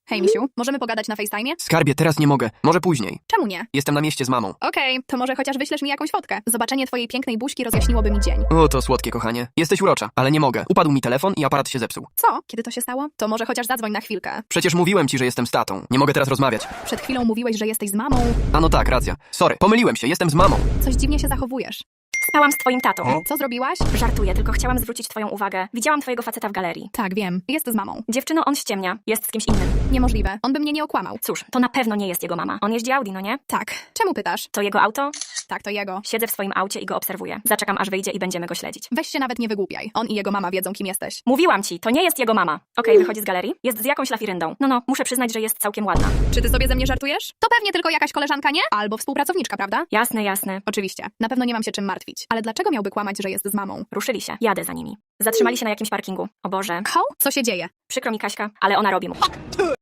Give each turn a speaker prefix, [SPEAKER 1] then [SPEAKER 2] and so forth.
[SPEAKER 1] Hej, misiu, możemy pogadać na FaceTime'ie?
[SPEAKER 2] Skarbie, teraz nie mogę. Może później.
[SPEAKER 1] Czemu nie?
[SPEAKER 2] Jestem na mieście z mamą.
[SPEAKER 1] Okej, to może chociaż wyślesz mi jakąś fotkę. Zobaczenie twojej pięknej buźki rozjaśniłoby mi dzień.
[SPEAKER 2] O, to słodkie, kochanie. Jesteś urocza, ale nie mogę. Upadł mi telefon i aparat się zepsuł.
[SPEAKER 1] Co? Kiedy to się stało? To może chociaż zadzwoń na chwilkę.
[SPEAKER 2] Przecież mówiłem ci, że jestem z tatą. Nie mogę teraz rozmawiać.
[SPEAKER 1] Przed chwilą mówiłeś, że jesteś z mamą.
[SPEAKER 2] A no tak, racja. Sorry, pomyliłem się, jestem z mamą.
[SPEAKER 1] Coś dziwnie się zachowujesz.
[SPEAKER 3] Spałam z twoim tatą.
[SPEAKER 1] Co zrobiłaś?
[SPEAKER 3] Żartuję, tylko chciałam zwrócić twoją uwagę. Widziałam twojego faceta w galerii.
[SPEAKER 1] Tak, wiem. Jest z mamą.
[SPEAKER 3] Dziewczyno, on ściemnia. Jest z kimś innym.
[SPEAKER 1] Niemożliwe. On by mnie nie okłamał.
[SPEAKER 3] Cóż, to na pewno nie jest jego mama. On jeździ Audi, no nie?
[SPEAKER 1] Tak. Czemu pytasz?
[SPEAKER 3] To jego auto?
[SPEAKER 1] Tak, to jego.
[SPEAKER 3] Siedzę w swoim aucie i go obserwuję. Zaczekam, aż wyjdzie i będziemy go śledzić.
[SPEAKER 1] Weź się nawet nie wygłupiaj. On i jego mama wiedzą, kim jesteś.
[SPEAKER 3] Mówiłam ci, to nie jest jego mama. Okej, wychodzi z galerii. Jest z jakąś lafiryndą. No, muszę przyznać, że jest całkiem ładna.
[SPEAKER 1] Czy ty sobie ze mnie żartujesz? To pewnie tylko jakaś koleżanka, nie? Albo współpracowniczka, prawda?
[SPEAKER 3] Jasne, jasne.
[SPEAKER 1] Oczywiście. Na pewno nie mam się czym martwić. Ale dlaczego miałby kłamać, że jest z mamą?
[SPEAKER 3] Ruszyli się. Jadę za nimi. Zatrzymali się na jakimś parkingu. O Boże.
[SPEAKER 1] Ho? Co się dzieje?
[SPEAKER 3] Przykro mi, Kaśka, ale ona robi mu.